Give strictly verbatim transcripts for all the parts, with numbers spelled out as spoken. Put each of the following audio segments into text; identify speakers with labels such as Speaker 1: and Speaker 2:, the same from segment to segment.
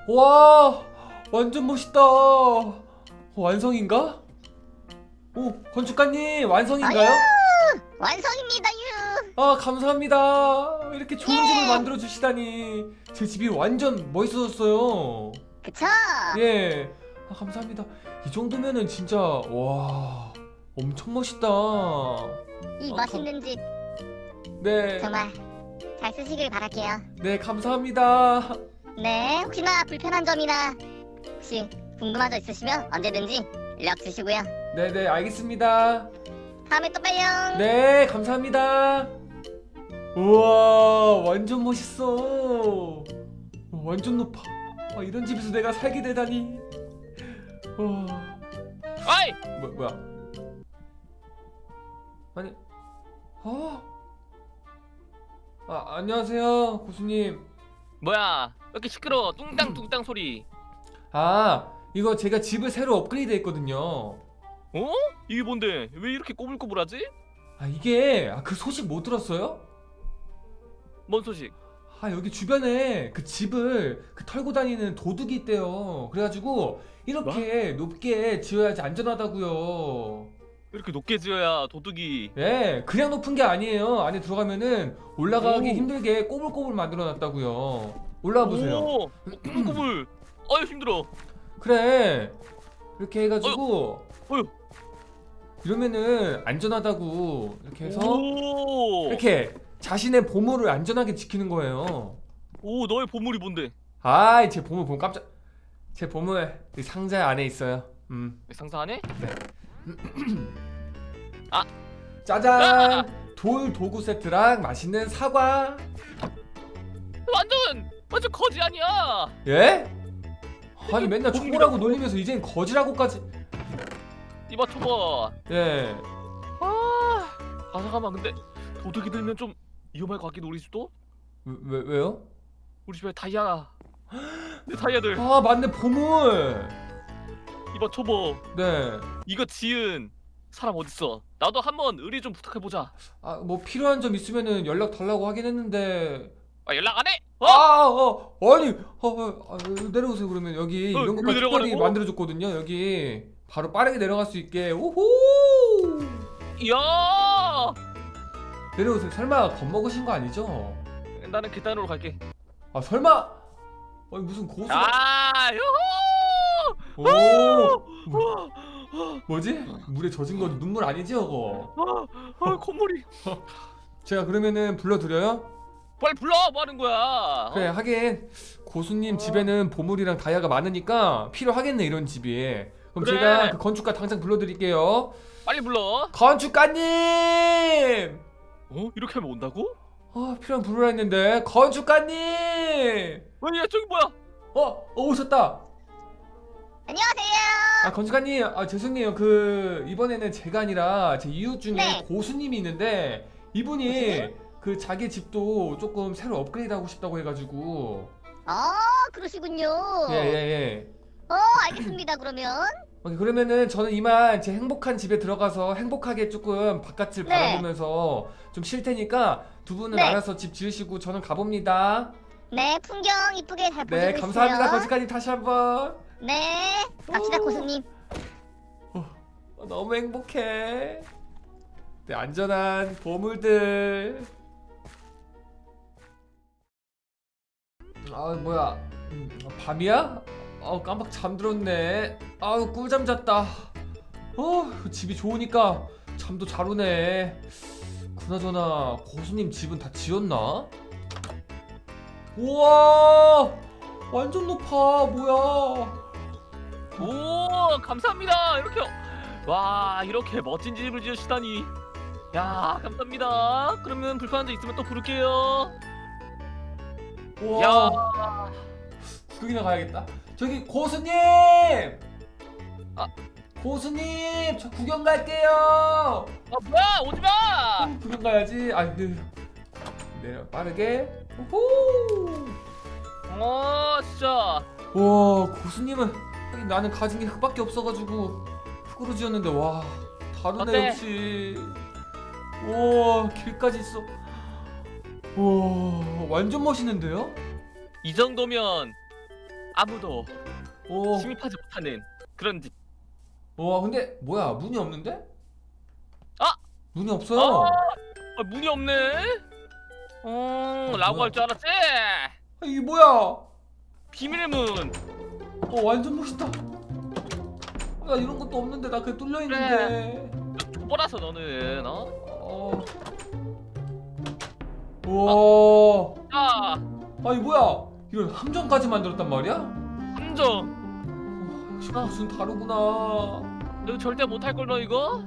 Speaker 1: 와, 완전 멋있다. 어, 완성인가? 오, 건축가님 완성인가요?
Speaker 2: 완성입니다 유.
Speaker 1: 아, 감사합니다. 이렇게 좋은
Speaker 2: 예.
Speaker 1: 집을 만들어 주시다니. 제 집이 완전 멋있어졌어요.
Speaker 2: 그쵸?
Speaker 1: 예. 아, 감사합니다. 이 정도면은 진짜 와, 엄청 멋있다.
Speaker 2: 이
Speaker 1: 어,
Speaker 2: 멋있는 집
Speaker 1: 네.
Speaker 2: 정말 잘 쓰시길 바랄게요.
Speaker 1: 네, 감사합니다.
Speaker 2: 네, 혹시나 불편한 점이나 혹시 궁금한 점 있으시면 언제든지 연락 주시고요.
Speaker 1: 네, 네, 알겠습니다.
Speaker 2: 다음에 또 봐요.
Speaker 1: 네, 감사합니다. 우와, 완전 멋있어. 완전 높아. 아, 이런 집에서 내가 살게 되다니. 와,
Speaker 3: 아이!
Speaker 1: 뭐, 뭐야? 아니, 아, 아, 안녕하세요, 고수님.
Speaker 3: 뭐야? 왜 이렇게 시끄러워? 뚱땅뚱땅 소리.
Speaker 1: 아, 이거 제가 집을 새로 업그레이드 했거든요.
Speaker 3: 어? 이게 뭔데? 왜 이렇게 꼬불꼬불하지?
Speaker 1: 아, 이게, 아, 그 소식 못 들었어요?
Speaker 3: 뭔 소식?
Speaker 1: 아, 여기 주변에 그 집을 그 털고 다니는 도둑이 있대요. 그래가지고 이렇게 높게 지어야지 안전하다고요.
Speaker 3: 이렇게 높게 지어야 도둑이.
Speaker 1: 예, 그냥 높은 게 아니에요. 안에 들어가면은 올라가기
Speaker 3: 오.
Speaker 1: 힘들게 꼬불꼬불 만들어놨다고요. 올라와 보세요.
Speaker 3: 오, 꼬불꼬불. 아유 힘들어.
Speaker 1: 그래, 이렇게 해가지고
Speaker 3: 어휴.
Speaker 1: 이러면은 안전하다고 이렇게 해서
Speaker 3: 오.
Speaker 1: 이렇게 자신의 보물을 안전하게 지키는 거예요.
Speaker 3: 오, 너의 보물이 뭔데?
Speaker 1: 아이, 제 보물 보면 깜짝. 제 보물 이 상자 안에 있어요. 음.
Speaker 3: 상상하네?
Speaker 1: 짜잔! 돌 도구 세트랑 맛있는 사과.
Speaker 3: 완전 완전 거지 아니야.
Speaker 1: 예? 아니 맨날
Speaker 3: 보물이라고.
Speaker 1: 초보라고 놀리면서 이젠 거지라고까지.
Speaker 3: 이봐 줘봐.
Speaker 1: 예.
Speaker 3: 아, 아 잠깐만 근데 도둑이 들면 좀 위험할 것 같긴 우리 집도?
Speaker 1: 왜, 왜 왜요?
Speaker 3: 우리 집에 다이아. 내 다이아들.
Speaker 1: 아, 맞네, 보물.
Speaker 3: 이봐 줘봐.
Speaker 1: 네.
Speaker 3: 이거 지은 사람 어딨어? 나도 한번 의뢰 좀 부탁해보자.
Speaker 1: 아, 뭐 필요한 점 있으면은 연락 달라고 하긴 했는데.
Speaker 3: 아 연락 안 해? 어?
Speaker 1: 아, 어, 아니, 어, 어, 아, 내려오세요. 그러면 여기
Speaker 3: 어,
Speaker 1: 이런
Speaker 3: 여기
Speaker 1: 것까지 특별히
Speaker 3: 내려가라고?
Speaker 1: 만들어줬거든요. 여기 바로 빠르게 내려갈 수 있게. 오호!
Speaker 3: 이야!
Speaker 1: 내려오세요. 설마 겁먹으신 거 아니죠?
Speaker 3: 나는 계단으로 갈게.
Speaker 1: 아, 설마? 아니 무슨 고수가?
Speaker 3: 아, 요호!
Speaker 1: 오,
Speaker 3: 우와,
Speaker 1: 뭐지? 물에 젖은 거 눈물 아니지, 저거?
Speaker 3: 아, 아, 콧물이.
Speaker 1: 제가 그러면은 불러드려요?
Speaker 3: 빨리 불러. 뭐 하는 거야?
Speaker 1: 그래, 하긴 고수님 집에는 보물이랑 다이아가 많으니까 필요하겠네, 이런 집이. 그럼
Speaker 3: 그래.
Speaker 1: 제가 그 건축가 당장 불러드릴게요.
Speaker 3: 빨리 불러.
Speaker 1: 건축가님!
Speaker 3: 어? 이렇게 하면 온다고?
Speaker 1: 아, 필요한 부르라 했는데. 건축가님!
Speaker 3: 왜, 야, 저기 뭐야?
Speaker 1: 어, 어, 오셨다.
Speaker 2: 안녕하세요.
Speaker 1: 아, 건축가님, 아, 죄송해요. 그 이번에는 제가 아니라 제 이웃 중에
Speaker 2: 네.
Speaker 1: 고수님이 있는데 이분이
Speaker 2: 고수님?
Speaker 1: 그 자기 집도 조금 새로 업그레이드하고 싶다고 해가지고.
Speaker 2: 아, 그러시군요.
Speaker 1: 예, 예, 예.
Speaker 2: 어, 알겠습니다. 그러면
Speaker 1: 오케이, 그러면은 저는 이만 제 행복한 집에 들어가서 행복하게 조금 바깥을
Speaker 2: 네.
Speaker 1: 바라보면서 좀 쉴 테니까 두 분은
Speaker 2: 네.
Speaker 1: 알아서 집 지으시고 저는 가봅니다.
Speaker 2: 네, 풍경 이쁘게 잘 보시고
Speaker 1: 네, 감사합니다.
Speaker 2: 있어요.
Speaker 1: 건축가님 다시 한번.
Speaker 2: 네, 갑시다
Speaker 1: 오.
Speaker 2: 고수님.
Speaker 1: 어, 너무 행복해. 네, 안전한 보물들. 아, 뭐야? 음, 밤이야? 아, 깜빡 잠들었네. 아우, 꿀잠 잤다. 어, 집이 좋으니까 잠도 잘 오네. 그나저나 고수님 집은 다 지었나? 우와, 완전 높아. 뭐야?
Speaker 3: 오, 감사합니다. 이렇게 와, 이렇게 멋진 집을 지으시다니. 야, 감사합니다. 그러면 불편한 점 있으면 또 부를게요.
Speaker 1: 우와.
Speaker 3: 야.
Speaker 1: 구경이나 가야겠다. 저기 고수님!
Speaker 3: 아.
Speaker 1: 고수님, 저 구경 갈게요.
Speaker 3: 아, 뭐야? 오지 마.
Speaker 1: 음, 구경 가야지. 아, 네. 네, 빠르게. 후.
Speaker 3: 어, 진짜.
Speaker 1: 와, 고수님은 하긴 나는 가진 게 흙밖에 없어가지고 흙으로 지었는데 와, 다르네.
Speaker 3: 어때?
Speaker 1: 역시. 와, 길까지 있어. 와, 완전 멋있는데요?
Speaker 3: 이 정도면 아무도
Speaker 1: 오.
Speaker 3: 침입하지 못하는 그런 집.
Speaker 1: 와 근데 뭐야 문이 없는데?
Speaker 3: 아!
Speaker 1: 문이 없어요.
Speaker 3: 아, 아, 문이 없네. 음,
Speaker 1: 아,
Speaker 3: 라고
Speaker 1: 뭐야?
Speaker 3: 할 줄 알았지?
Speaker 1: 아, 이게 뭐야?
Speaker 3: 비밀의 문.
Speaker 1: 어 완전 멋있다. 나 이런 것도 없는데 나 그냥 뚫려 있는데.
Speaker 3: 초보라서 너는 어?
Speaker 1: 어. 와.
Speaker 3: 자,
Speaker 1: 아니 뭐야? 이런 함정까지 만들었단 말이야?
Speaker 3: 함정.
Speaker 1: 어, 역시
Speaker 3: 아.
Speaker 1: 무슨 다르구나.
Speaker 3: 너 절대 못할 걸 너 이거.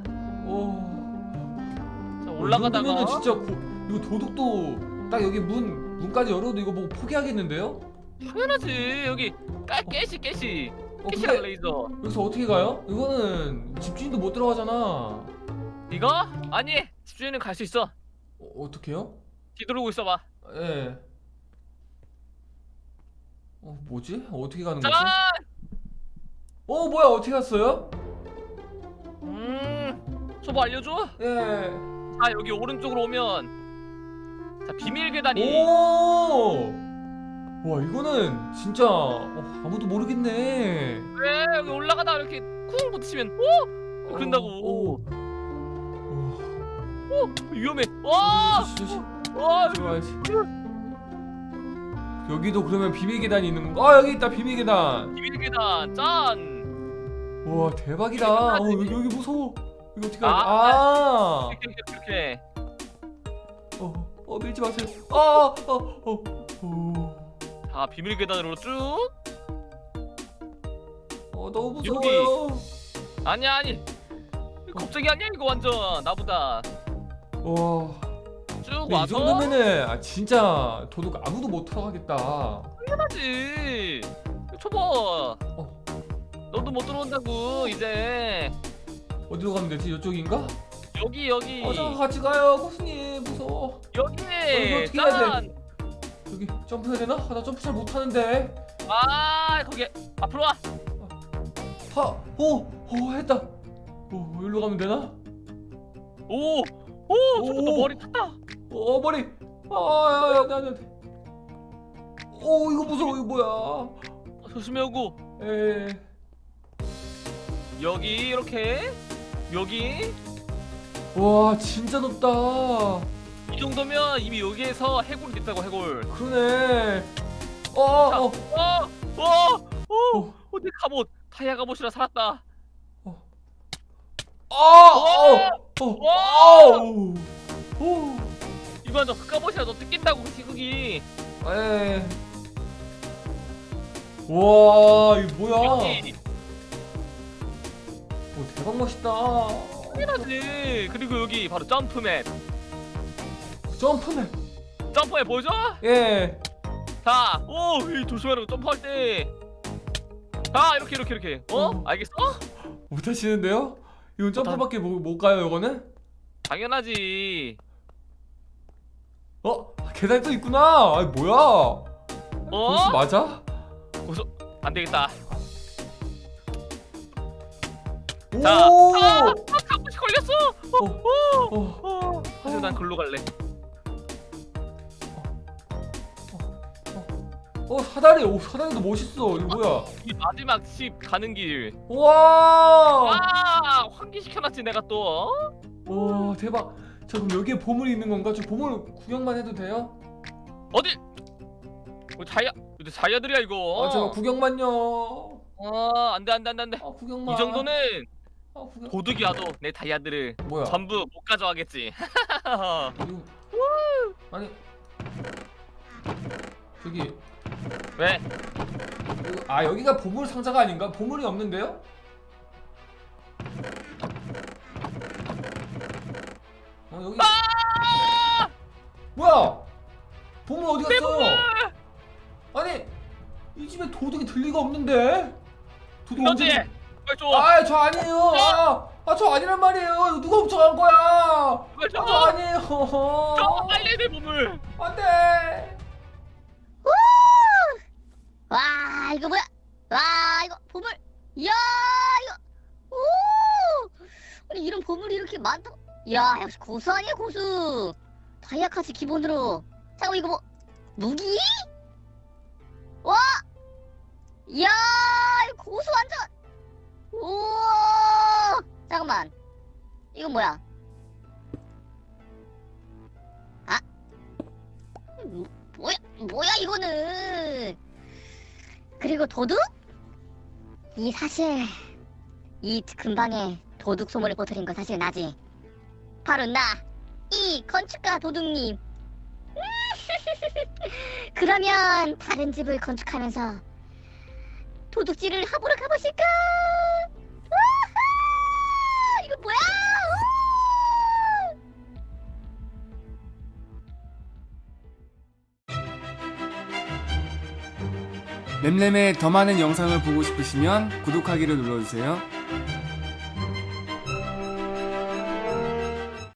Speaker 1: 어.
Speaker 3: 자,
Speaker 1: 이
Speaker 3: 올라가다가.
Speaker 1: 정도면은 진짜 고, 이거 도둑도 딱 여기 문 문까지 열어도 이거 보고 포기하겠는데요?
Speaker 3: 당연하지. 여기 까 깨시 깨시.
Speaker 1: 어,
Speaker 3: 깨시랑
Speaker 1: 근데
Speaker 3: 레이저.
Speaker 1: 여기서 어떻게 가요? 이거는 집주인도 못 들어가잖아.
Speaker 3: 이거? 아니, 집주인은 갈 수 있어.
Speaker 1: 어, 어떻게요?
Speaker 3: 뒤돌고 있어봐.
Speaker 1: 예. 어 뭐지? 어떻게 가는
Speaker 3: 짠!
Speaker 1: 거지? 어 뭐야 어떻게 갔어요?
Speaker 3: 음, 초보 알려줘.
Speaker 1: 예.
Speaker 3: 자, 여기 오른쪽으로 오면 자 비밀 계단이.
Speaker 1: 오. 와 이거는 진짜 어, 아무도 모르겠네.
Speaker 3: 왜 여기 올라가다 이렇게 쿵 부딪히면 오 그런다고.
Speaker 1: 오.
Speaker 3: 오 위험해. 와,
Speaker 1: 조심, 조심,
Speaker 3: 와,
Speaker 1: 들어와야지. 여기도 그러면 비밀 계단이 있는 건가? 아 여기 있다 비밀 계단.
Speaker 3: 비밀 계단 짠.
Speaker 1: 와 대박이다. 어 여기 여기 무서워. 이거 어떻게 하지?
Speaker 3: 아.
Speaker 1: 아.
Speaker 3: 이렇게 이렇게 이렇게.
Speaker 1: 어, 어 밀지 마세요. 아, 어, 어, 어.
Speaker 3: 자 비밀 계단으로 쭉.
Speaker 1: 어 너무
Speaker 3: 여기.
Speaker 1: 무서워요.
Speaker 3: 아니야 아니. 겁쟁이 아니야 이거 완전 나보다.
Speaker 1: 와.
Speaker 3: 쭉
Speaker 1: 근데 이
Speaker 3: 와서.
Speaker 1: 정도면은 아 진짜 도둑 아무도 못 들어가겠다.
Speaker 3: 당연하지. 초보.
Speaker 1: 어.
Speaker 3: 너도 못 들어온다고 이제.
Speaker 1: 어디로 가면 되지? 이쪽인가?
Speaker 3: 여기 여기.
Speaker 1: 어, 저 같이 가요, 고수님. 무서워.
Speaker 3: 여기.
Speaker 1: 이거 어떻게 해야
Speaker 3: 짠.
Speaker 1: 여기 점프해야 되나? 아, 나 점프 잘 못하는데.
Speaker 3: 아 거기 앞으로 와.
Speaker 1: 하, 오, 오 했다. 오, 여기로 가면 되나?
Speaker 3: 오. 오 저거 너
Speaker 1: 오.
Speaker 3: 머리 탔다.
Speaker 1: 어, 머리. 아, 야, 야, 나, 나. 오, 이거 무서워. 이거 뭐야?
Speaker 3: 어, 조심해 오고.
Speaker 1: 에.
Speaker 3: 여기 이렇게. 여기.
Speaker 1: 와, 진짜 높다.
Speaker 3: 이 정도면 이미 여기에서 해골이 됐다고 해골.
Speaker 1: 그러네. 어, 어, 어.
Speaker 3: 어, 어, 어,
Speaker 1: 어.
Speaker 3: 어, 내 갑옷, 다이아 갑옷이라 살았다.
Speaker 1: 아, 어, 어,
Speaker 3: 와!
Speaker 1: 오, 오,
Speaker 3: 이거 너 그 갑옷이라 너 뜯긴다고 그 희극이.
Speaker 1: 에, 와, 이거 뭐야?
Speaker 3: 여기
Speaker 1: 오, 대박 멋있다.
Speaker 3: 당연하지. 그리고 여기 바로 점프맨.
Speaker 1: 점프네.
Speaker 3: 점프해 보여줘.
Speaker 1: 예.
Speaker 3: 자, 오, 이 조심하라고 점프할 때. 자, 이렇게 이렇게 이렇게. 어?
Speaker 1: 어.
Speaker 3: 알겠어?
Speaker 1: 못하시는데요? 이건 점프밖에 못, 못 가요, 이거는?
Speaker 3: 당연하지.
Speaker 1: 어? 계단이 또 있구나. 아이 뭐야?
Speaker 3: 어?
Speaker 1: 고수 맞아?
Speaker 3: 안 되겠다.
Speaker 1: 오!
Speaker 3: 자, 아, 아, 갑옷이 걸렸어.
Speaker 1: 어, 어,
Speaker 3: 어, 사실 난 글로 갈래.
Speaker 1: 어, 사다리. 오, 사다리도 멋있어. 이거 뭐야?
Speaker 3: 이 마지막 집 가는 길.
Speaker 1: 와!
Speaker 3: 아, 환기시켜놨지 내가 또. 어?
Speaker 1: 와, 대박. 저 그럼 여기에 보물이 있는 건가? 저 보물 구경만 해도 돼요?
Speaker 3: 어디? 뭐 자야, 근데 자야들이야 이거.
Speaker 1: 아, 제가 구경만요.
Speaker 3: 어, 안돼 안돼 안돼 안돼.
Speaker 1: 아, 구경만.
Speaker 3: 이 정도는
Speaker 1: 아, 구경.
Speaker 3: 도둑이 와도 내 다이아들을
Speaker 1: 뭐야?
Speaker 3: 전부 못 가져가겠지.
Speaker 1: 이거... 아니. 저기
Speaker 3: 왜?
Speaker 1: 이거- 아, 여기가 보물 상자가 아닌가? 보물이 없는데요? 어, 여기.
Speaker 3: 아!
Speaker 1: 뭐야? 보물 어디
Speaker 3: 내
Speaker 1: 갔어?
Speaker 3: 보물!
Speaker 1: 아니, 이 집에 도둑이 들 리가 없는데. 도둑
Speaker 3: 너지?
Speaker 1: 언제?
Speaker 3: 빨리 줘.
Speaker 1: 아, 저 아니에요. 아, 아, 저 아니란 말이에요. 이거 누가 훔쳐간 거야?
Speaker 3: 빨리 줘.
Speaker 1: 아, 저 아니에요.
Speaker 3: 줘 빨리 내 보물.
Speaker 1: 안돼.
Speaker 2: 와 이거 뭐야? 와 이거 보물. 이야 이거. 오. 아니 이런 보물이 이렇게 많다. 야 역시 고수 아니야 고수. 다이아까지 기본으로. 자 이거 뭐 무기? 와. 이야, 이거 고수 완전. 우와, 잠깐만. 이건 뭐야? 아, 뭐, 뭐야, 뭐야 이거는? 그리고 도둑? 이 사실 이 근방에 도둑 소문을 퍼뜨린 거 사실 나지. 바로 나, 이 건축가 도둑님. 그러면 다른 집을 건축하면서 도둑질을 하보러 가보실까? 우와! 이거 뭐야?
Speaker 4: 램램의 더 많은 영상을 보고 싶으시면 구독하기를 눌러주세요.